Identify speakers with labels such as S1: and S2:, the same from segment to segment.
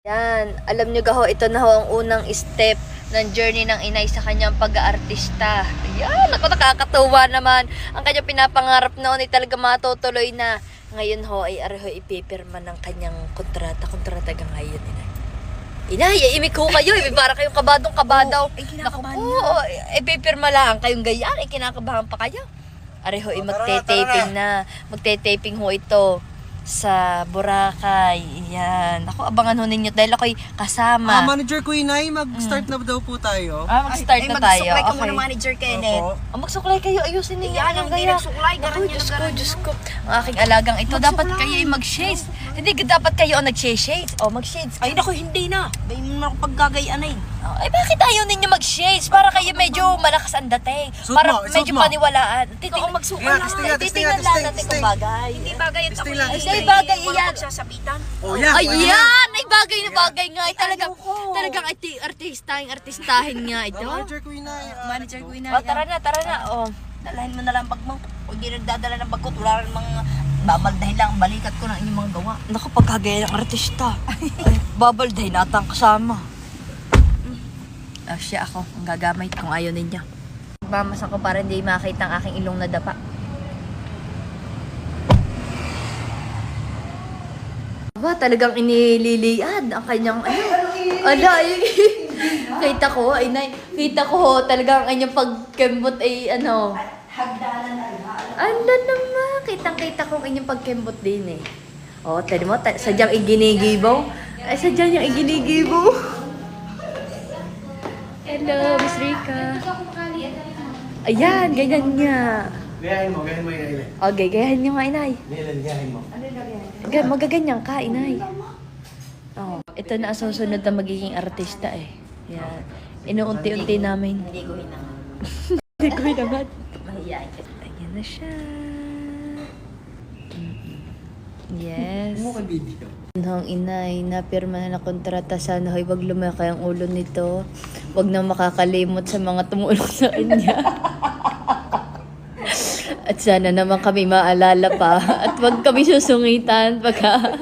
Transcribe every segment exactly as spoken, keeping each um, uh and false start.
S1: Yan, alam nyo gaho, ito na ho ang unang step ng journey ng inay sa kanyang pag-aartista. Yan, ako nakakatuwa naman. Ang kanyang pinapangarap noon ay talaga matutuloy na. Ngayon ho ay areho ipipirma ng kanyang kontrata. Kontrata ka ngayon, inay. Inay, imik ho kayo. Para kayong kabadong kabadaw.
S2: Ay, kinakabahan
S1: Naku po, ipipirma lang kayong ganyan. Ay, kinakabahan pa kayo. Areho ay magte-taping na. Magte-taping ho ito sa Boracay. Yan. Ako, abangan ho ninyo dahil ako'y kasama.
S3: Ah, Manager ko Inay, mag-start na daw po tayo.
S1: Ah, mag-start
S2: Ay,
S1: na tayo.
S2: magsuklay ka
S1: Okay.
S2: muna, Manager Kenneth.
S3: Opo.
S1: Oh, magsuklay kayo. Ayusin ninyo.
S2: Yan,
S1: Anong
S2: hindi
S1: gaya?
S2: nagsuklay.
S1: Ako,
S2: Garan
S1: Diyos
S2: yan,
S1: ko,
S2: garan
S1: Diyos
S2: yan.
S1: ko. Ang aking alagang ito, dapat kayo ay mag-shades. Hindi, dapat kayo ang nag-shades. O, mag-shades.
S2: Ay, naku, hindi na. Bay mo na ako paggagayaan ay.
S1: Oh, ay, bakit ayaw ninyo mag-shades? Para kayo medyo malakas ang dating.
S3: Suot
S1: Para
S3: mo, suot
S1: medyo
S3: mo.
S1: paniwalaan.
S2: Ikaw
S1: Titingnan,
S2: ang magsuka
S3: Kaya,
S2: lang.
S3: testing nga, testing nga,
S1: titingnan lang
S3: testing,
S1: natin kung
S3: testing.
S1: bagay.
S2: Hindi bagay at
S3: Testing
S2: ako
S3: lang,
S2: ay
S1: testing. Ay, bagay
S2: walang
S1: yan.
S2: pagsasabitan.
S3: Oh, yan.
S1: Ay,
S3: pwede
S1: yan! Ay, bagay na bagay nga. Ay, talagang,
S2: Ayoko.
S1: talagang arti- artistahin, artistahin nga ito.
S3: Ah, Manager ko Inay. ah,
S2: Manager ko
S1: O, tara na, tara na. O,
S2: Dalahin mo na lang bag mo. Kung hindi nagdadala ng bag ko, wala rin mga babaldahin lang ang balikat ko ng inyong mga gawa.
S1: naku, pagkagaya ng artista. Ay, babalday na atang kasama. Ah, siya ako. Ang gagamay kung ayaw ninyo. Mamas ako para hindi makita ang aking ilong na dapa. Aba, talagang inililiad ang kanyang ano. Ala, ay, kita ko, ay nay, kita ko ho, talagang ang kanyang pagkembot ay ano. Ano naman, kitang-kita ko ang inyong pagkembot din eh. Oh, tali mo, ta- sadyang iginigibaw. Ay, sadyang yung iginigibaw. Hello, Miss Rika. Ayan, ganyan niya.
S3: Gayahin mo, gayahin mo Inay.
S1: Okay, gayahin niyo nga, inay.
S3: Nilan, gayahin mo.
S1: Ga- Magaganyan ka, inay. Oh, ito na ang susunod na magiging artista eh. Yan. Inuunti-unti namin.
S2: Hindi ko hinangan.
S1: Hindi ko naman.
S2: Mahiyain ka.
S1: Ayan na siya. Mm-mm. Yes.
S3: Mo kay video.
S1: Nung inay, napirma na na kontrata. Sana ho'y wag lumaki ang ulo nito. Wag na makakalimot sa mga tumulong sa kanya. At sana naman kami maalala pa. At wag kami susungitan pagka...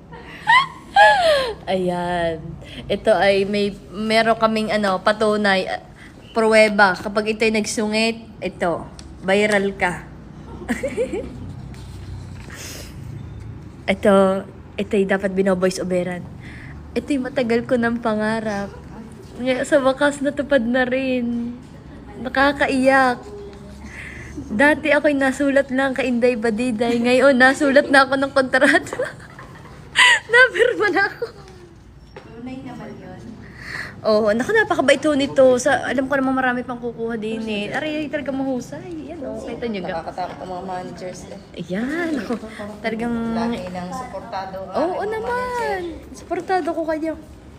S1: Ayan. Ito ay may meron kaming ano, patunay, uh, pruweba. Kapag ito'y nagsungit, ito, viral ka. ito, ito'y dapat bino-voice overan. Ito'y matagal ko ng pangarap. Ngayon, sa wakas natupad na rin. Nakakaiyak. Dati ako'y nasulat lang kay Inday Badiday. Ngayon, nasulat na ako ng kontrata. Napirma na ako.
S2: Tunay naman yun.
S1: Oo, naku, napakabait ho nito. Sa, alam ko namang marami pang kukuha din eh. Aray, talaga mahusay. Yan o, kita nyo ga.
S2: Nakakatakot ang mga managers eh.
S1: Ayan, ako. Talagang...
S2: Lagi ng suportado.
S1: Oo naman. Suportado ko kayo.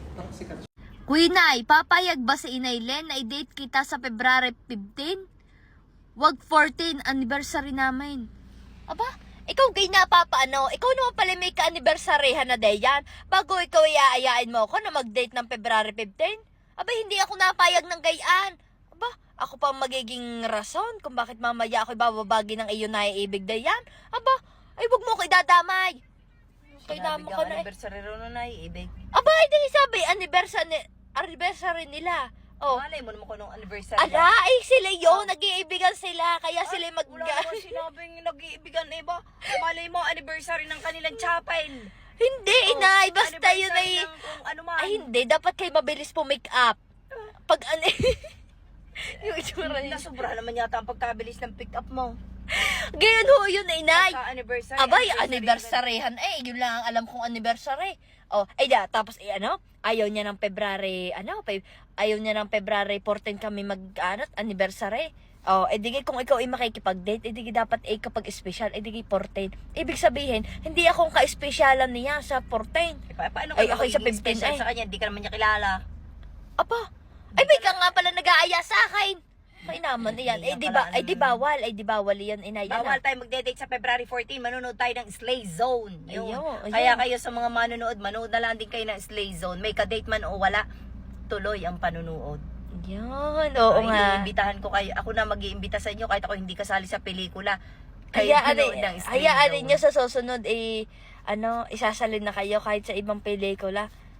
S1: Kuinay, papayag ba si Inay Len na i-date kita sa February fifteen? Wag fourteen, anniversary namin. Aba, ikaw kay napapaano? Ikaw naman pala may ka-anniversaryhan na day yan. Bago ikaw iaayain mo ako na mag-date ng February fifteen? Aba, hindi ako napayag ng gayaan. Aba, ako pa magiging rason kung bakit mamaya ako'y bababagi ng iyo na iibig day yan. Aba, ay wag mo ko idadamay. Kailangan ka na eh.
S2: Anniversary rin na naiibig.
S1: Aba, hindi sabi, anniversary, anniversary nila. Oh,
S2: Malay mo naman ko nung anniversary.
S1: ala, ay sila yun, nag-iibigan sila, kaya sila mag...
S2: Wala naman sinabing nag-iibigan na iba. Malay mo, anniversary ng kanilang chapel.
S1: Hindi,
S2: Oh,
S1: inay, basta yun ay...
S2: anniversary ng kung ano man.
S1: Ay, hindi, dapat kayo mabilis po make up. Pag ano... yung itsura niya.
S2: Nasobra naman yata ang pagkabilis ng pick up mo.
S1: Ganyan ho yun, inay.
S2: Pagka-anniversary.
S1: Abay, anniversaryhan. Eh, yun lang ang alam kong anniversary. Oh, ay da, tapos eh, ano, ayaw niya ng February, ano, pe, ayaw niya ng February fourteen kami mag, ano, anniversary. Oh, eh, digay kung ikaw ay makikipag-date, eh, digay dapat eh, kapag special, eh, digay fourteen. Ibig sabihin, hindi akong ka-specialan niya sa fourteen.
S2: Eh, pa- paano
S1: Ay,
S2: kayo
S1: ako'y sa
S2: magiging
S1: fifteen,
S2: special
S1: ay.
S2: sa kanya? Hindi ka naman niya kilala.
S1: Apa, ay, may ka nga pala nag-aaya sa akin. May naman, yan. Eh,
S2: Yan
S1: di
S2: pala,
S1: ba, ay, di
S2: ano.
S1: bawal, ay, di bawal yan, inay. Yan,
S2: Bawal
S1: ah.
S2: tayo magde-date sa February fourteen. Manonood tayo ng Slay Zone. Yun.
S1: Ayun, ayun.
S2: Kaya kayo sa mga manonood, manood na lang din kayo ng Slay Zone. May ka-date man o wala, tuloy ang panunood.
S1: Yan, oo
S2: Ay,
S1: nga.
S2: iimbitahan ko kayo. Ako na mag-iimbita sa inyo kahit ako hindi kasali sa pelikula. Kayo
S1: Hayaan
S2: manood ng Slay
S1: hayaan
S2: Zone.
S1: ninyo sa susunod eh ano, isasalin na kayo kahit sa ibang pelikula.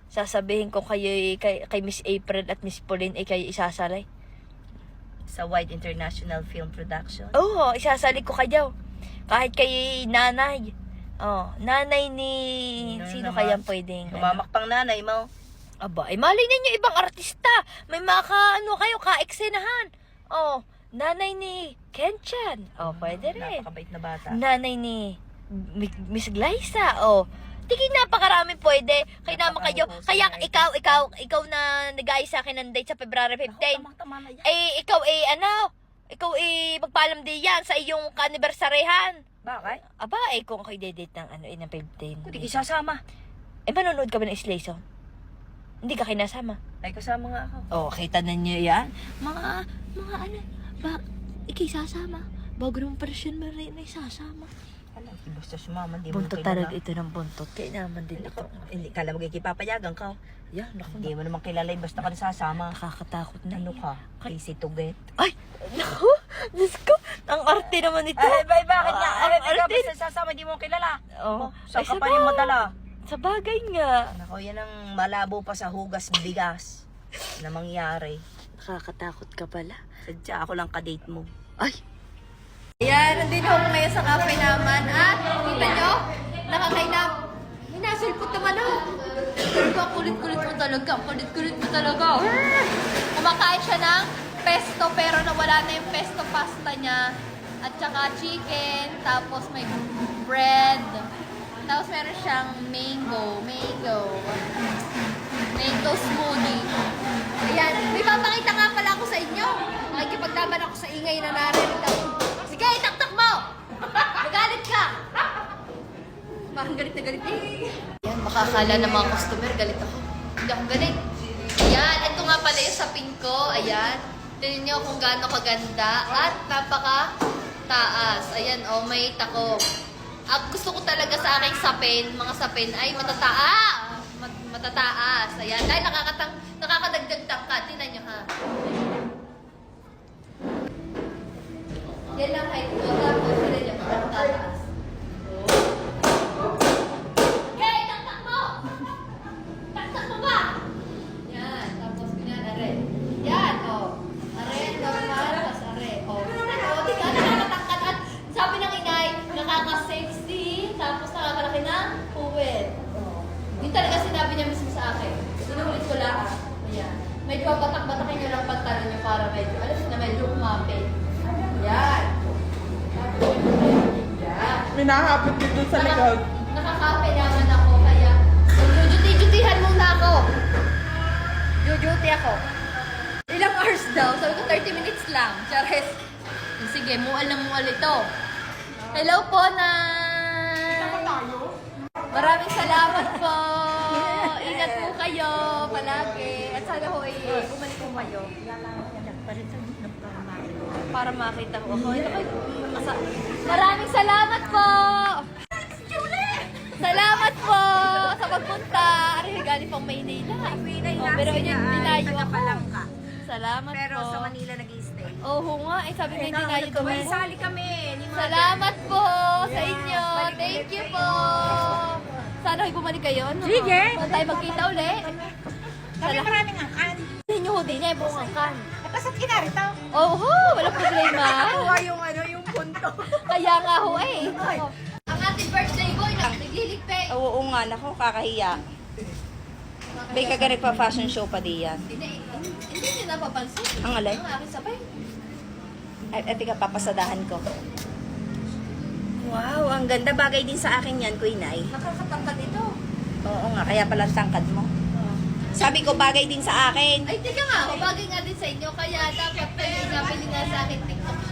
S1: sasabihin ko kayo kay, kay Miss April at Miss Pauline ay kayo isasalay.
S2: Sa Wide International Film Production.
S1: Oo, isasali ko kayo. Kahit kay nanay. Oh, nanay ni...
S2: Ano
S1: Sino
S2: naman?
S1: kayang pwedeng...
S2: Humamak pang nanay mo.
S1: Aba, ay malay ninyo ibang artista. May mga ka, ano kayo, ka-eksenahan. Oh, nanay ni Kenchan. Oh, pwede rin.
S2: Napakabait na bata.
S1: Nanay ni Mi- Miss Glyza. Oh, tingin napakarami pwede. Kaya naman kayo. Kaya ikaw, ikaw, ikaw na nag-ayos sa akin ng date sa February fifteenth.
S2: Tama na yan.
S1: Eh, ikaw eh, ano? Ikaw eh, magpaalam din yan sa iyong ka-anibersaryhan.
S2: Bakit?
S1: Aba, eh, kung kayo date ng ano, eh, ng fifteen.
S2: Kung di isasama.
S1: Eh, manonood ka ba ng Slay Song? Hindi ka kinasama.
S2: Ay, kasama nga ako.
S1: Oh, kita na niyo yan. Mga, mga ano, ba, ikay sasama. Bago naman pala siya na rin ay sasama.
S2: Alam, basta sumama, di mo
S1: Buntot
S2: kilala.
S1: talaga ito ng buntot. Kaya naman din ito.
S2: Hindi, kala mo kikipapayagan ka.
S1: Yan, naku,
S2: Hindi mo naman kilala, eh, basta ka nasasama.
S1: nakakatakot na.
S2: Ano ka? Easy to get.
S1: Ay, naku, Diyos ko, ang arte naman ito.
S2: Ay, bay, bakit nga?
S1: Ah,
S2: Ay,
S1: ang
S2: ikaw
S1: arte.
S2: basta sasama, di mo kilala.
S1: Oh,
S2: Saan
S1: ay,
S2: ka pa
S1: sabag-
S2: yung madala?
S1: Sa bagay nga.
S2: Nako, yan ang malabo pa sa hugas bigas na mangyari.
S1: Nakakatakot ka pala.
S2: Sadya ako lang kadate mo.
S1: Ay! Ayan, nandito ako ngayon sa cafe naman. At, kita nyo, nakakainap. Hinasulpot naman ako. Pero ang kulit-kulit mo talaga. Ang kulit-kulit mo talaga. Kumakain siya ng pesto, pero nawala na yung pesto pasta niya. At saka chicken, tapos may bread. Tapos meron siyang mango, mango. Mango smoothie. Ayan, may papakita nga pala ako sa inyo. Nakikipaglaban ako sa ingay na narinig ako. Sige, taktak mo! Magalit ka! Parang galit na galit eh. Ayan, makakala ng mga customer, galit ako. Hindi ako galit. Ayan, ito nga pala yung sapin ko. Ayan. Tignan nyo kung gaano kaganda. At napaka taas. Ayan, oh, may tako. Ang gusto ko talaga sa aking sapin, mga sapin, ay matataa. Mat matataas. Ayan, dahil nakakatang, nakakadagdag tangka. Tingnan nyo ha. Yan lang height ko. Tapos, tingnan nyo, matataas. Okay, taktak mo! Taktak mo ba? Yan, tapos ganyan, are. Yan, oh. Are, normal, tapos are. Oh, oh, di ka, nakakatangkat. At sabi ng inay, nakaka-sexy, tapos nakakalaki ng puwet. Oh. Yun talaga sinabi niya mismo sa akin. Sinulit ko lang. Ayan. Medyo batak-batakin niyo lang pantalon niyo para medyo, alam niyo na medyo umapit. Yan. Tapos, yan.
S4: May nakakapit dito sa likod.
S1: Nakakape naman ako, kaya jujuti-jutihan muna ako. Jujuti ako. Ilang hours daw? Sabi ko thirty minutes lang. Chares. Sige, mual na mual ito. Hello po, Nay! Maraming salamat po. Ingat po kayo palagi. At sana ho ay bumalik po kayo. Para makita ko ako. Ito kayo. Maraming salamat po! Salamat po sa pagpunta. Ari, galing pang Maynila. Oh, pero dinayo ako. Salamat
S2: Pero
S1: po.
S2: sa Manila nag-i-stay.
S1: Oo nga, eh sabi nga dinayo daw ako.
S2: Sali kami. Ni Mother.
S1: Salamat po sa inyo. Thank you po. Sana ay bumalik kayo. No?
S4: Sige.
S1: Saan tayo magkita uli?
S4: Kami maraming angkan.
S1: Hindi nyo ho din eh, buong angkan.
S4: Pasat kita rito.
S1: Oo, ho, wala problema.
S2: Kuha yung ano, yung punto.
S1: Kaya nga ho eh. Oh. Ang ating birthday boy na nagliligpay.
S2: Oo nga, naku, kakahiya. May kaga nagpa-fashion show pa diyan.
S1: Hindi, hindi nyo napapansin.
S2: Ang alay?
S1: Ang aking sabay.
S2: Ay, ay, tika, papasadahan ko. Wow, ang ganda. Bagay din sa akin yan, Queen Ay.
S1: Nakakatangkad ito.
S2: Oo nga, kaya pala ang tangkad mo. Sabi ko, bagay din sa akin.
S1: Ay, teka nga, mabagay nga din sa inyo. Kaya dapat pwede nga pili nga sa akin TikTok